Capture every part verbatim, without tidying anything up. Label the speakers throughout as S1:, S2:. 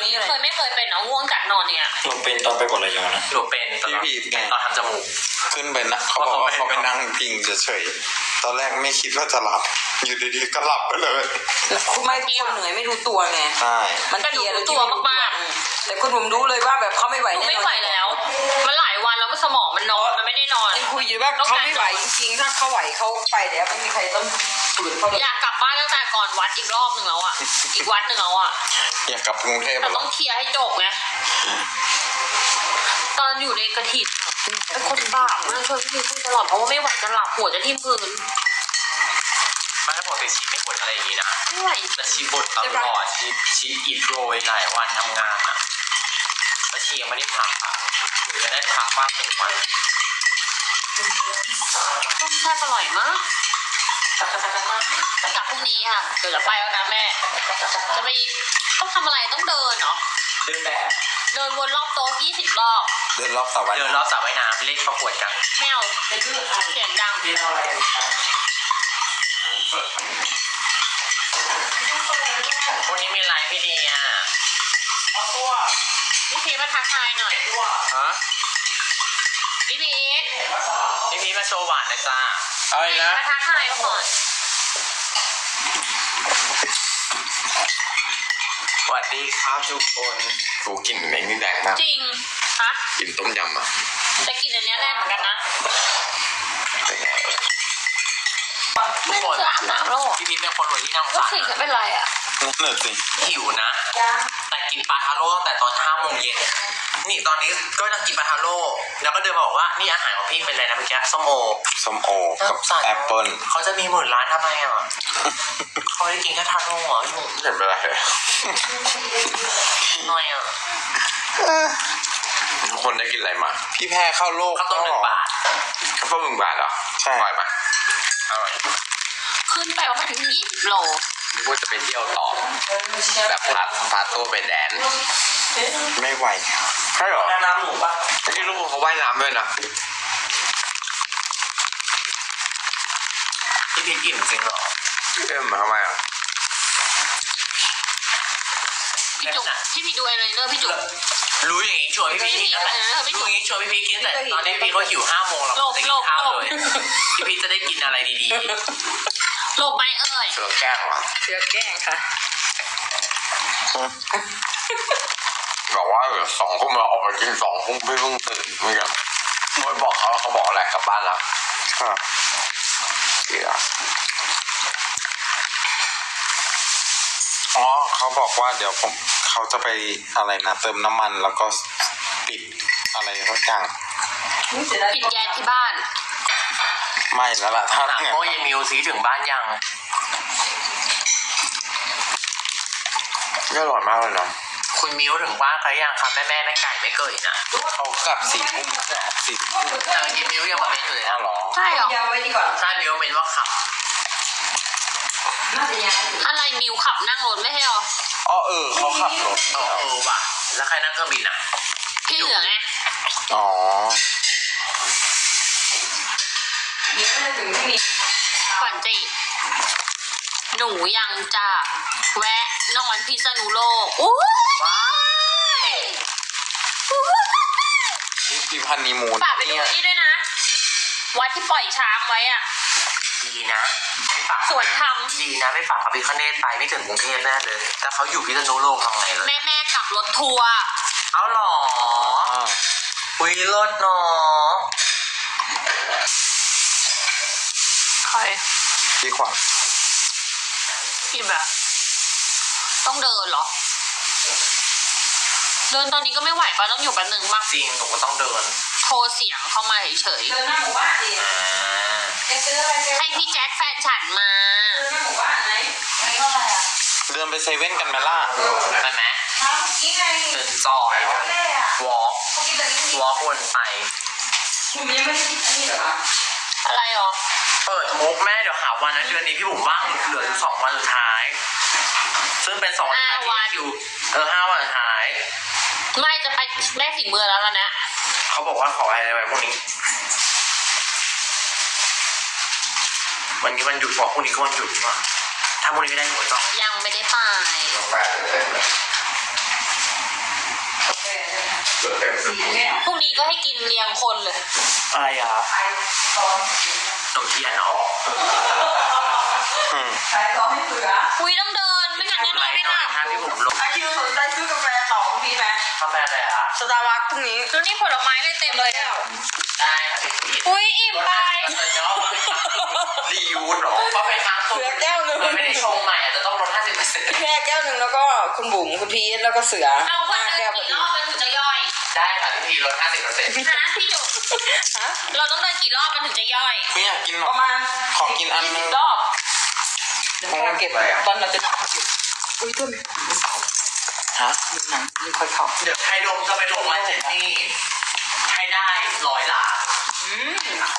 S1: นี้เลย
S2: เคยไม่เคยเป็นเนาะง่วงกัดนอนเนี่ย
S3: เราเป็นตอนไปกดระยองนะ
S4: หนูเป็นตอน
S3: พี่พีทไง
S4: ตอนทำจมูก
S3: ขึ้นไปนะเขาบอกว่าเขาไปนั่งพิงเฉยๆตอนแรกไม่คิดว่าจะหลับอยู่ดีๆก็หลับไปเลย
S1: คุณไม่คนเหนื่อยไม่รู้ตัวไง
S3: ใช่
S1: มันเพลียเลย
S2: ตัวมาก
S1: ๆแต่คุณผมรู้เลยว่าแบบเขาไม่ไหว
S2: ๆหนู
S1: แน่นอน
S2: ไม่ไหวแล้ว มันหลายวันแล้วมันสมองมันนอนมันไม่ได้นอน
S1: ยังคุยอยู่ว่าเขาไม่ไหวจริงๆถ้าเขาไหวเขาไปแล้วไม่มีใครต้องฝืนเขาเลย
S2: อยากกลับบ้านตั้งแต่ก่อนวัดอีกรอบหนึ่งแล้วอ่ะ อีกวัดหนึ่งแล้วอ่ะ
S3: อยากกลับกรุงเทพ
S2: แต่
S3: เหร
S2: ต้
S3: อ
S2: องเคลียร์ให้จบไง ตอนอยู่ในกระถิ่นอะเป็นคนบ้ามากช่วยพี่พีพูดตลอดเพราะว่าไม่ไหวจะหลับหัวจะทิ่มพื้น
S4: ไม่ให้ปกติชีไม่บ่นอะไรอย่างนี้นะ
S2: ไม่ไหว
S4: แต่ชีบ่นตลอดชีชีอิดโรยหลายวันทำงานอ่ะแล้วชียังไม่ได้พักอ่ะหนูยังได้พักบ้างหนึ่งวัน
S2: ต้มแซ่บอร่อยมากกลับพรุ่งนี้ค่ะเดี๋ยวจะไปแล้วนะแม่ จะไปต้องทำอะไรต้องเดินเนาะ
S4: เดินแบบ
S2: เดินวนรอบโต๊ะยี่สิบรอบ
S3: เดินรอบสระว่าย
S4: เดินร
S3: น้
S4: อบสระว่ายน้ำเล่นประกวดกัน
S2: ไม่เอาเสียงดัง
S4: วันนี้มีไลฟ์พี่เดีย
S2: พี่พีชมาทักทายหน่อย
S3: ำฮะ
S2: พี่พีช
S4: พี่พีชมาโชว์หวานนะจ้า
S3: อะไรนะ
S2: มาทักทายก่อน
S3: สวัสดีครับทุกคนกูกลิ่นเหม็นนี่แรงมาก
S2: จริงฮะ
S3: กลิ่นต้มยำอ่ะ
S2: แต่กลินอันเนี้ยแรงเหมือนกันนะ
S3: เป็นไง
S4: ทุก
S2: ไม่
S4: คน
S2: คืออาบน้ำแล้วเหรอ
S4: พี่พีชเป็นคนรวยที่น่าสง
S2: ก็
S4: สาร
S2: สิ่งจะเป็นไรอ่ะ
S3: นั่นน่ะสิ
S4: หิวนะ แต่กินปลาทาโร่ตั้งแต่ตอนห้าโมงเย็นนี่ตอนนี้ก็ยังกินปลาทาโร่แล้วก็เดินมาบอกว่านี่อาหารของพี่เป็นอะไรนะเมื่อกี้ส้มโอ
S3: ส้มโอกับแอปเปิ้ล
S4: เขาจะมีหมื่นล้านทำไมอ่ะ เขาได้กินแค่ทาโร่เหรอพี่หมู
S3: ไม่เป็นไรเลย
S4: หน่อยอ่ะ
S3: ทุกคนได้กินอะไรมา พี่แพ้เข้าโลก
S4: ข้าวต้มหนึ่งบาท
S3: ข้าวต้มหนึ่งบาทเหรอใช่อร่อยไหมอร่อย
S2: ขึ้นไปประมาณยี่สิบโล
S3: นึกว่าจะไปเที่ยวต่อแบบพาพาตัวไปแดนไม่ไหวใช่เหรอ
S4: น้ำหมูป่ะ
S3: ที่ลูกเขาว่ายน้ำด้วยนะ
S4: พี่พีชอิ่มจริงเหรอ
S3: เอ็มมาทำไมอ่ะ
S2: พี่จุ๊บพี่พีชดูอะไรเนอร์พี่จุ๊บ
S4: รู้อย่างงี้ชวนพี่พีชกินแล้วแหละรู้อย่างงี้ชวนพี่พีชกินแต่ตอนนี้พี่พีชเขาหิวห้าโมงแล้วจะกินข้าวเลยพี่พีชจะได้กินอะไรดี
S2: โลบไหมเอ่ย
S3: เสือแกล้งเหรอ
S1: เชือแกล้งค่ะ
S3: บอกว่าเดี๋ยวสองทุ่มเราออกไปกินสองทุ่มพี่เพิ่งตื่นเหมือนกันไม่บอกเขาเขาบอกอะไรกลับบ้านแล้วครับเสียอ๋อเขาบอกว่าเดี๋ยวผมเขาจะไปอะไรนะเติมน้ำมันแล้วก็ปิดอะไรสักอย่าง
S2: ปิดแก๊สที่บ้าน
S3: ไม่แล้วล่ะถ้า
S4: ๆถาม
S3: งั้น
S4: โมยมิวซีถึงบ้านยัง
S3: ก็อร่อยมากเลยนะ
S4: คุณมิวถึงบ้านใครยังคะแม่แม่แม่ไก่ไม่เกิดนะ
S3: เขากลับสี่ทุ่มสี่ทุ่ม
S4: แต่เมื่อกี้มิวยังมาเม้นอยู่เลยนะ
S3: หรอ
S2: ใช่เหรอ
S1: ยาวไว้ดีกว่า
S4: ใช่มิวเม้นว่าขับ
S1: น่าจะยาว
S2: อะไรมิวขับนั่งรถไม่ใช่เหรอ
S3: อ๋อเออเขาขับรถ
S4: เออเออว่ะแล้วใครนั่งเครื่องบินอ่ะ
S2: พี่เหลืองไง
S3: อ๋อ
S1: เดี๋ยวจะถึงที่นี้
S2: ก่อนจีหนูยังจะแวะนอนพิษณุโลกอู้
S4: ว้าย
S3: นี่พี่พันนีมูน
S2: ฝากไปดูนี่ด้วยนะ วัดที่ปล่อยช้างไว้อะ
S4: ดีนะไม่ฝาก
S2: สวนธรรม
S4: ดีนะไม่ฝากอภิคเนตไปไม่ถึงกรุงเทพแน่เลยแต่เขาอยู่พิษณุโลกทำไงเลย
S2: แม่แม่ๆขับรถทัวร์
S4: เอาหรอ
S3: อ๋อ
S4: อุ้ยรถเนาะ
S2: ใคร
S3: พี่ขวัญ
S2: พี่แบบ ต้องเดินเหรอ เดินตอนนี้ก็ไม่ไหวปะต้องอยู่แป๊บหนึ่งมาก
S4: จริงหนูก็ต้องเดิน
S2: โทรเสียงเข้ามาเฉย
S1: เดินหน้าหมู่บ้านดิ
S4: อ่า
S1: จะซื้ออะไรเจอ
S2: ๆให้พี่แจ็คแฟนฉันมา
S1: เดินหน้าหมู่บ้านไหนอันนี้เท่าไหร่อ่ะ
S3: เดินไปเซเว่นกันไหมล่ะ
S4: ไปไหม
S1: ทำกี้ไง
S4: เดินจอย
S1: แม่อ่ะ
S4: วอล์ก
S1: เมื่อกี้ตอนนี้
S4: วอล์กวนไป
S1: คุณยังไม่ได้คิดอันนี้เหรอคะ
S2: อะไรหรอ
S4: เปิดมุกแม่เดี๋ยวหาวันนะเดือนนี้พี่บุ๋มว่างเหลืออยู่สองวันสุดท้าย ซึ่งเป็นสองวันสุดท้ายที่คิวเออห้าวันสุดท้าย
S2: ไม่จะไปแม่ฝีมือแล้วล่ะนะ
S4: เขาบอกว่าขออะไรไว้พวกนี้ วันนี้วันหยุดบอกพรุ่งนี้ก็วันหยุดว่าถ้าพรุ่งนี้ไม่ได้หนูจอง
S2: ยังไม่ได้ไป
S3: กาแฟเต็มเลย
S1: สีเนี่ย
S2: พรุ่งนี้ก็ให้กินเรียงคนเลย
S4: อะไรอ่ะ
S1: ไทยตอน
S4: ขนมเทียนเนาะ
S1: ไทยตอนให้เสือ
S2: คุยต้องเดินไม่งั้นแน่นอนไม่หลับ
S4: ถ้าพี่ผมลง
S1: ไอคิวสนใจซื้อกาแฟต่อคุณพี่ไหม
S4: ทำไมอะไรอ่ะ
S1: สตาร์บัคพรุ่งนี้
S2: แล้วนี่ผลไม้เลยเต็มเลยอ่ะ
S4: ได้ค่ะพี่
S2: อุ้ยอิ่มไป
S3: รียูดหรอ
S4: เพราะเป็นครั้ง
S1: เสือแก้วหนึ่ง
S4: มันไม่ได้ชงใหม่อาจจะต้องลดห้าสิบเปอร์เซ็นต์
S1: พี่แม่แก้วหนึ่งแล้วก็คุณบุ๋มคุณพีทแล้วก็เสือ
S2: เอาคน
S1: ห้า
S2: เดิ
S1: แก้วน พอ
S2: กี่
S1: ดี
S2: รอบมันถึงจะย่อย
S4: ได้ค่ะพี่พีลดห้าสิบเปอร์เซ็นต์
S2: นะพี่จุ๊บ
S1: ฮะ
S2: เราต้องเดินกี่รอบมันถึงจะย่อย
S3: ไม่อยากกินหร
S1: ป
S3: อก
S1: ระมาณ
S3: ขอกินอันนึง
S1: รอบเดี๋ยวเราเก็บตอนเราจะนำเขาเก็บอุ้ยต้น
S3: ฮะ
S1: ดูหนังไม่ค่อยเข้า
S4: เดี๋ยวไทยดมจะไปลงมาเจนนี่ให้ได้ร้อยล้าน
S1: อืม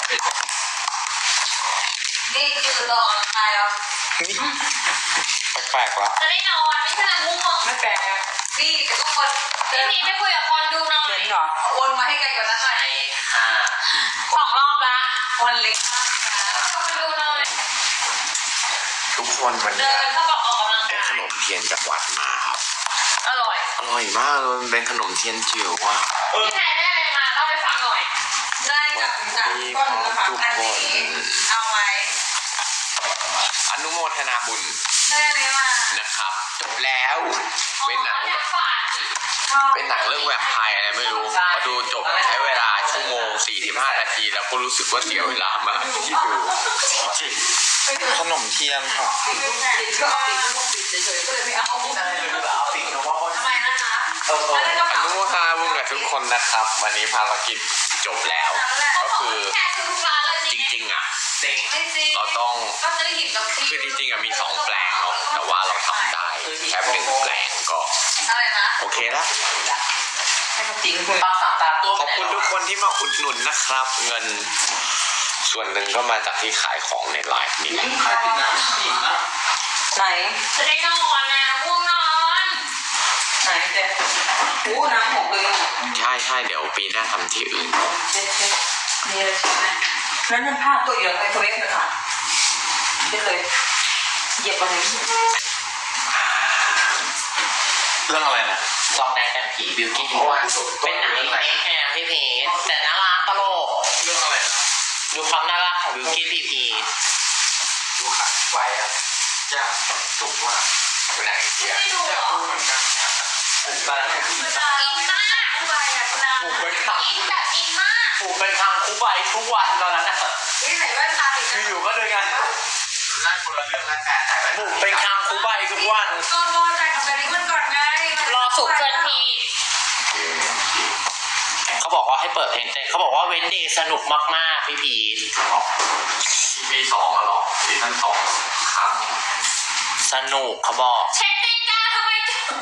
S2: นี่คือรอใครแล้ว
S3: แปลกๆวะ
S2: จะได้นอนไม่ใช่ง่วง
S1: ไม่แปลกนะ
S2: นี่ทุกคนพี่พีไม่คุยกับคนดูหน่อ
S1: เหม็
S2: ย
S1: นเหรอ
S2: วนมาให้ไกลกว่านั้นหน่อย
S4: ใช่ค่ะ
S2: สองรอบละ
S1: วันเล็ก
S2: เราไปดูหน่อย
S3: ทุกคนวัน
S2: เดิ
S3: นี้
S2: นเข้ามาออกกำลัง
S3: ได้
S2: กาย
S3: ขนมเทียนจากวัดมาครับ
S2: อร่อย
S3: อร่อยมากเลยมันเป็นขนมเทียนจิ๋วว่ะ
S2: พี่ไทยได้อะไรมาเล่าให้ฟังหน่อย
S1: ได้กับจากก้อนนะคะอันนี้เอาไว้
S3: อนุโมทนาบุญ
S1: ได้ไหมมา
S3: นะครับจบแล้วเป็นหนัง
S2: อ๋อฝาด
S3: เป็นหนังเรื่องแวมไพร์อะไรไม่รู้พอดูจบใช้เวลาชั่วโมงสี่สิบห้านาทีแล้วก็รู้สึกว่าเสียเวลามากที่ดูจริงๆขนมเทียนค่ะ
S1: ปิดลูกปิดก็เอาปิดลูกปิดเฉยๆก็เลยไม่เอา
S4: ใช่เลยแบบเอาสิ่งที่ว่าเขา
S2: ทำไมนะคะ
S4: เออเออ
S3: อนุโมทนาบุญกับทุกคนนะครับ วันนี้ภารกิจจบแล้ว ก็คือ
S2: แค่ซื้อปลาเลย
S3: จริงๆอ่ะ
S4: เซ็ง
S2: ไม่จริง
S3: เราต้อง
S2: ก็จะได้หินกับพี่
S3: คือจริงๆอ่ะมีสองแปลงเนาะแต่ว่าเราทำได้แค่หนึ่งแปลงก็
S2: อะไรนะ
S3: โอเคแล้ว
S1: ให้เขาทิ้งคุณ
S4: ปลาสามตาตัว
S3: ขอบคุณทุกคนที่มาอุดหนุนนะครับ เงินส่วนหนึ่งก็มาจากที่ขายของในไลฟ์นี่แหละ
S4: ขายติดน้ำอีกนะ
S1: ไหน
S2: จะได้นอนนะง่วงนอน
S1: ไหนเจ๊อู้น้ำหกเลยอ่ะ
S3: ใช่ใช่เดี๋ยวปีหน้าทำที่อื่น
S1: เจ๊เจ๊นี่เลยใช่ไหมแล้วนั่นผ้าตัวเหลืองไมโครเวฟเลยค่ะเจ๊เลยเหยียบอะไร
S3: เรื่องอะไรนะ
S4: ซองแดงแต่ผีบิวกิ้นเป็นหนังอีกแอบพี่พีแต่น่ารักตลก
S3: เรื่องอะไรนะ
S4: ดูความน่ารักของบิวกิ้นพีพี
S3: ดูขาดไวอ่ะจ้าถูกว่าเป็นหนังอินเดีย
S2: ไม่ดูหรอ
S3: เหมือนกันตอนนั้นเนี่ย
S2: อินมากอะไรอ่ะคุณอา
S4: ผูกเป็นค
S2: อินแบบอินมาก
S4: ำผูกเป็นคำคู่ใบทุกวันตอนนั้นน่ะ
S1: นี่ไหนแว่นตาติด
S4: อยู่ๆก็เดินกัน
S3: ได้คนละเรื่องแล้วแต่แต่ไม่
S4: ผูกเป็นคำคู่ใบทุกวัน
S1: ก่อนรอจ่ายกับไปนี้มันก่อนไง
S2: รอสุกเพื่อนพี่
S4: เขาบอกว่าให้เปิดเพลงเต้นเขาบอกว่าเว้นเดย์สนุกมากๆพี่พีท
S3: ปีสองอะหรอซีซั่นสองครับ
S4: สนุกเขาบอก
S2: เช็คติงจ้าทำไม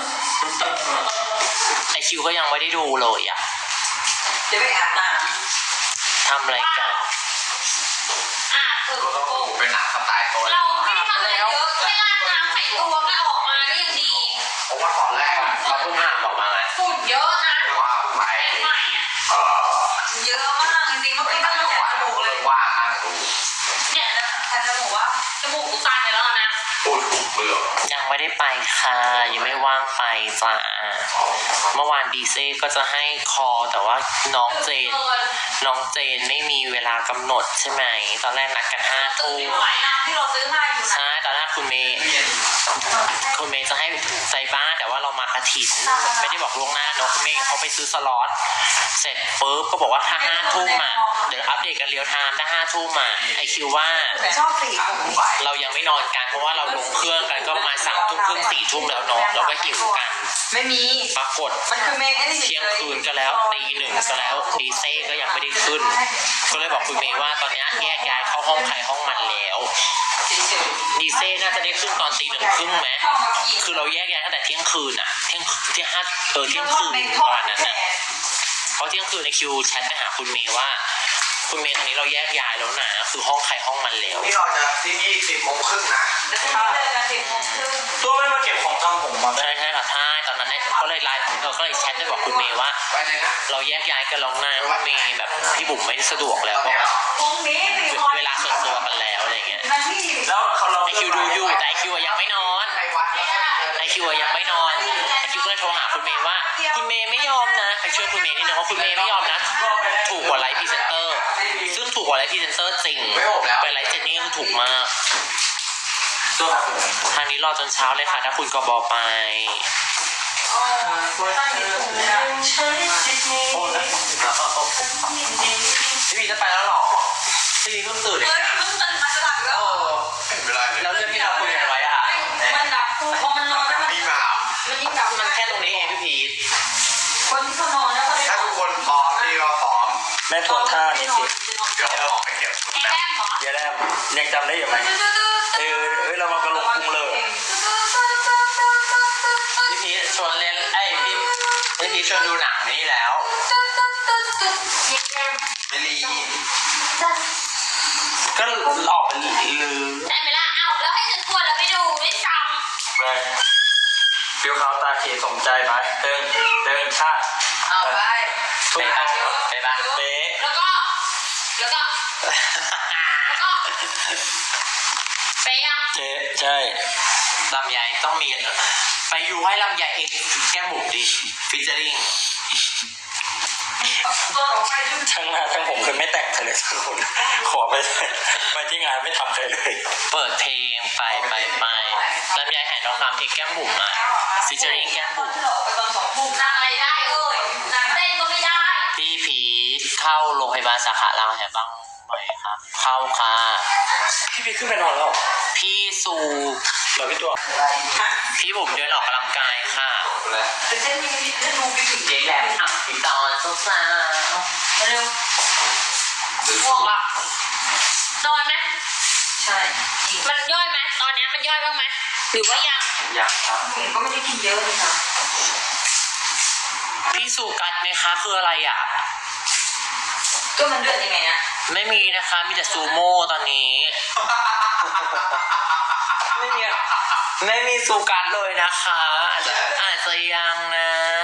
S4: ไอคิวก็ยังไม่ได้ดูเลยอ่ะ
S1: จะไปอาบน้
S4: ทำอะไรกัน
S2: อ่ะคือ
S3: ก็ต้องดูเป็นหนังสไตล์ตัว
S2: เราไม่ได้ทำอะไรเยอะแค่ราดน้ำใส่ตัวก็ออกมาก็ยังดี
S3: เพราะว่าตอนแรกอะ
S4: เขาเพิ่งห้ามออกมาไง
S2: ฝุ่นเยอะนะ
S3: ว่าไป
S2: ใหม่อ่ะ
S3: เอ่อ
S1: ำเยอะมากจริงๆเมื่อกี้มันแสบจมูกเลย
S3: ว่างนั่งดู
S2: เนี่ยนะแต่จมูกว่าจมูกกูตันไปแล้วนะ
S3: พูดถูกเรื่อง
S4: ยังไม่ได้ไปค่ะยังไม่ว่างไปจ้าเมื่อวานดีเซ่ก็จะให้คอแต่ว่าน้องเจน
S2: เกิน
S4: น้องเจนไม่มีเวลากำหนดใช่ไหมตอนแรกนัดกันห้า
S2: ตื่น
S4: ทุ่ม
S2: ไม่ไหวน้ำที่เราซื้อมาอยู่นะ
S4: ใช่ตอนแรกคุณเมย์คุณเมย์จะให้ใจบ้านแต่ว่าเรามากระถิ่นไม่ได้บอกล่วงหน้าเนอะคุณเมย์เขาไปซื้อสล็อตเสร็จปุ๊บก็บอกว่าถ้าห้าทุ่มอ่ะเดี๋ยวอัปเดตกันเรียลไทม์ถ้าห้าทุ่มอ่ะไอคิวว่า
S1: ชอบสีผม
S4: เรายังไม่นอนกันเพราะว่าเราลงเครื่องกันก็ประมาณสามทุ่มครึ่งสี่ทุ่มแล้วเนาะเราก็หิวกัน
S1: ไม่มี
S4: ปรากฏ
S1: มันคือเมย์ไอ้นี่
S4: เที่ยงคืนก็แล้วตีหนึ่งก็แล้วดีเซ่ก็ยังไม่ได้ขึ้น ก็เลยบอกคุณเมย์ว่าตอนนี้แยกย้ายเข้าห้องใครห้องมันแล้ว
S1: เฉย
S4: ดีเซ่น่าจะได้ขึ้นตอนตีหนึ่งครึ่งไหม
S1: ๆชอบมากิน
S4: คือเราแยกย้ายตั้งแต่เที่ยงคืนอะเที่ยงเที่ยงห้าเออเที่ยงคืน
S1: ใน
S4: ป
S1: ท่อ
S4: ระมาณ
S1: แท
S4: นั้น
S1: น
S4: นะเพราะเที่ยงคืนในคิวแชทไปหาคุณเมย์ว่า คุณเมย์ตอนนี้เราแยกย้ายแล้วนะคือห้องใครห้องมันแล้ว
S3: นี่เราจะที่นี่สิบโมงครึ่งนะ
S1: แล้วก็เลิกกันสิบโมงครึ่ง
S4: ตัวไม่มาเก็บของทำผมมาใช่ใช่ค่ะใช่ตอนนั้นเนี่ยก็เลยไลน์เออก็เลยแชทไปบอกคุณเมย์ว่า
S3: ไปเลยนะ
S4: เราแยกย้ายกันแล้วนะคุณเมย์แบบพี่บุ๋มไม่สะดวกแล้วเพราะ
S1: พรุ่งนี้สี่คน
S4: เวลาส่วนตัวกันแล้วอะไรเงี้ย
S1: นาที
S4: แล้วเขาเราไอคิวดูอยู่แต่ไอคิวอะยังไม่นอน
S3: ไอ้วัดแล้วก็
S4: ไอคิวยังไม่นอนไอคิวก็เลยโทรหาคุณเมย์ว่า คุณเมย์ไม่ยอมนะไปช่วยคุณเมย์นิดนึงว่าคุณเมย์ไม่ยอมนะถูกกว่าไลฟ์พรีเซนเตอร์ซึ่งถูกกว่าไลฟ์พรีเซนเตอร์จริงไปไลฟ์เจนนี่ก็คือถูกมากทางนี้รอจนเช้าเลยค่ะถ้าคุณกบไปพี่พีจะไปแล้วหรอพี่พีเพิ่งตื่นเลย
S1: เฮ้ยเพิ่งตื่นมาจะหลับแล้ว
S3: เวลา
S4: แล้วเรื่องที่เราคุยกันไว้อะ
S1: มันดับพอมันนอนแล้วมัน
S3: พี่มา
S1: มันยิ่งดับ
S4: มันแค่ตรงนี้เองพี่พีท
S1: คนที่เขานอนแล้วเขาได้
S3: ถ้าทุกคนพร้อมพี่ก็พร้อม
S5: แม่ทวนท่านี่สิ
S3: เดี๋ยวเราไปเก็บชุด
S2: ไอ้
S3: แบบ
S2: แก้มเหรอ
S5: เดี๋ยวแรมยังจำได้อยู่ไหมเออเอ้ยเรามากระลงพุงเลย
S4: พี่พีทชวนเล่นไอ้ยพี่พี่พีทชวนดูหนังนี่แล้ว
S3: ไม่รี
S4: ก็ออกเป็นลือ
S2: ได้ไหมล่ะเอ้าแล้วให้ฉันทวนแล้วไม่ดูไม่จ
S5: ไปฟิวเขาตาเขสมใจไปเติงเติงชาติ
S1: เอาไป
S5: ทุก
S4: ไป
S5: ท่า
S4: ปะไปปะ
S5: เป๊ะ
S2: ำแล้วก็แล้วก็แล้วก็ไปยัง
S5: เจ๊ใช่
S4: ลำไยต้องมีไปอยู่ให้ลำไยเองแก้มหมูดิฟิชเจอริง
S1: ตัวต่อไปยุ่ง
S5: ทั้งหน้าทั้งผมเคยไม่แต่งใครเลยสักคนขอไปไปที่งานไม่ทำใครเลย
S4: เปิดเพลงไปไปไปลำไยหายทองคำเองแก้มหมูอ่ะฟิชเจอริงแก้มหมู
S1: ที่เราออกไปตอนสองทุ่ม
S2: นางอะไรได้เอ้ยนางเต้นก็ไม่ได้
S4: พี่พีทเข้าโรงพยาบาลสาขารามคำแหงบ้างไหมครับ เข้าค่ะ
S5: พี่พี่ขึ้นไปนอนแล้ว
S4: พี่สู
S5: เหรอพี่ตัว
S4: พี่บุ๋มเดินออกกำลังกายค่ะ
S3: แล้ว
S1: แต่เช่นนี้จะดูไปถึง
S4: เจ๊แหลมอ่ะพี่ตอนสุสาว
S1: เร็ว
S2: ง่วงละนอนไหม
S1: ใช่จริง
S2: มันย่อยไหมตอนเนี้ยมันย่อยบ้างไหมหรือว่ายัง
S4: อยากครับ
S1: ผมก็ไม่ได้กินเยอะเลยค่ะ
S4: พี่สูกัดไหมคะคืออะไรอ่ะ
S1: ก็มันเดือดยังไงนะ
S4: ไม่มีนะคะมีแต่ซูโม่ตอนนี้ ไม่มีไม่มีซูกัดเลยนะคะอาจจะอาจจะยังนะ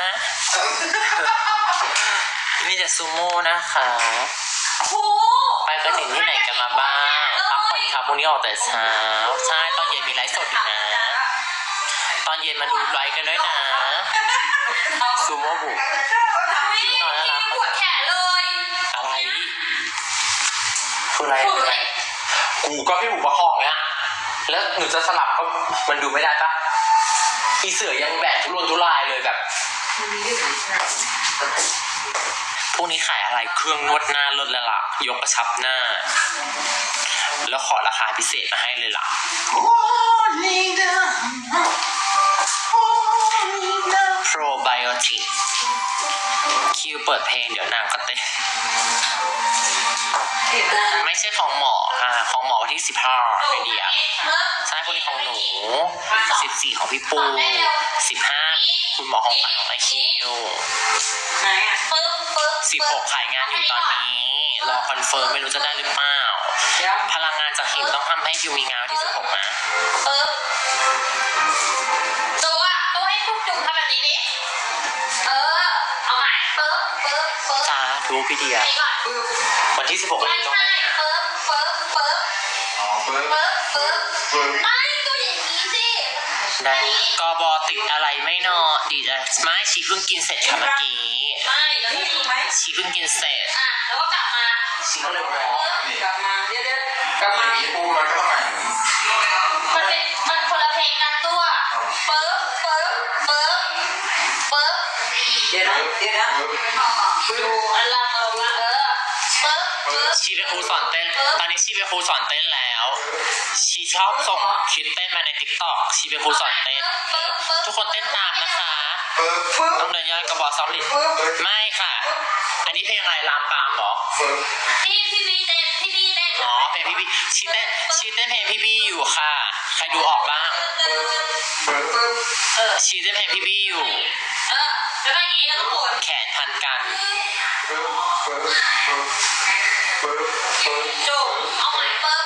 S4: มีแต่ซูโม่นะคะ
S2: โอ้โห
S4: ไปกระถิ่นที่ไหนกันมาบ้างพักผ่อนครับพรุ่งนี้ออกแต่เช้าใช่ตอนเย็นมีไลฟ์สดอีกนะ ตอนเย็นมาดูไลฟ์กันด้วยนะซูโม่บุก
S2: ไม่ได้ปวดแขนเลย
S4: อะไรคืออะไร
S2: ปวดเลย
S4: กูก็พี่บุกประคองเนี้ยแล้วหนูจะสลับก็มันดูไม่ได้ปะอีเสือยังแบกทุรนทุรายเลยแบบพวกนี้ขายอะไรเครื่องนวดหน้าลดแล้วล่ะยกกระชับหน้า แล้วขอราคาพิเศษมาให้เลยล่ะโปรไบโอติกคิวเปิดเพลงเดี๋ยวนางก็เต้นไม่ใช่ของหมอค่ะของหมอวันที่สิบห้าไอเดียใช่คนนี้ของหนูสิบสี่ของพี่ปูสิบห้าคุณหมอของขวัญของไอคิว
S1: ไหนอ่ะ
S2: ปึ๊บปึ๊บ
S4: สิบหกขายงานอยู่ตอนนี้รอคอนเฟิร์มไม่รู้จะได้หรือเปล่า
S1: เดี๋ยว
S4: พลังงานจากหิวต้องทำให้คิวมีงานวันที่สิบหกนะ
S2: ปึ๊บตัวตัวให้ทุกจุ่มทำแบบนี้ดิเออเอาใหม่ปึ๊บปึ๊บปึ๊บ
S4: จ้าดูพี่เดีย
S2: นี่ก่อน
S4: วันที่สิบหก
S2: ไม่
S4: เราต้อง
S2: ใช่ปึ๊บปึ๊บปึ๊บ
S3: อ๋อเปิด
S2: ปึ๊บปึ๊บ
S3: เปิด
S2: ไม่ตัวอย่างนี้สิ
S4: ได้กบติดอะไรไม่นอนดีจ้ะไม่ชีเพิ่งกินเสร็จค่ะเมื่อกี้
S2: ไม่แล้ว
S1: นี่
S2: นี่
S1: ถูกไหม
S4: ชีเพิ่งกินเสร็จ
S2: อ่ะแล้วก็กลับมา
S4: ชีก็เลยบอก
S3: นี่
S1: กลับมาเดี๋ยวเดี๋ยวกลับ
S3: อ
S1: มา
S3: ย่างนี้ปูมันก็ต้องมาอย่างนี้
S2: มันเป็นมันคนละเพลงกันตัวปึ๊บปึ๊บปึ๊บปึ๊บ
S1: เดี๋ยวนะเดี๋ยวนะ
S2: ดูอันลังลงมาเออปึ๊บปึ๊บ
S4: ชีเป็นครูสอนเต้น ตอนนี้ชีเป็นครูสอนเต้นแล้ว ชีชอบส่งคลิปเต้นมาในติ๊กต็อกชีเป็นครูสอนเต้น
S2: ปึ๊บปึ๊บ
S4: ทุกคนเต้นตามนะคะ
S3: เปิด
S1: ปึ๊บ
S4: ต้องเดินย้อนกระบอกซอลิด
S1: ปึ๊บ
S4: ไม่ค่ะ อันนี้เพลงอะไรลามปามเหรอ
S3: เปิด
S2: พี่พี่บีเต้นพี่บีเต้น
S4: อ๋อเพลงพี่บีชีเต้นชีเต้นเพลงพี่บีอยู่ค่ะ ใครดูออกบ้าง
S3: เปิด
S1: ปึ๊บ
S2: เออ
S4: ชีเต้นเพลงพี่บีอยู่
S2: เออแล้วก็อย่างนี้แล้วก็หมุน
S4: แขนพันกัน
S3: เปิดเปิดเปิดเปิดเปิด
S2: จุ่มเอาใหม่ปึ๊บ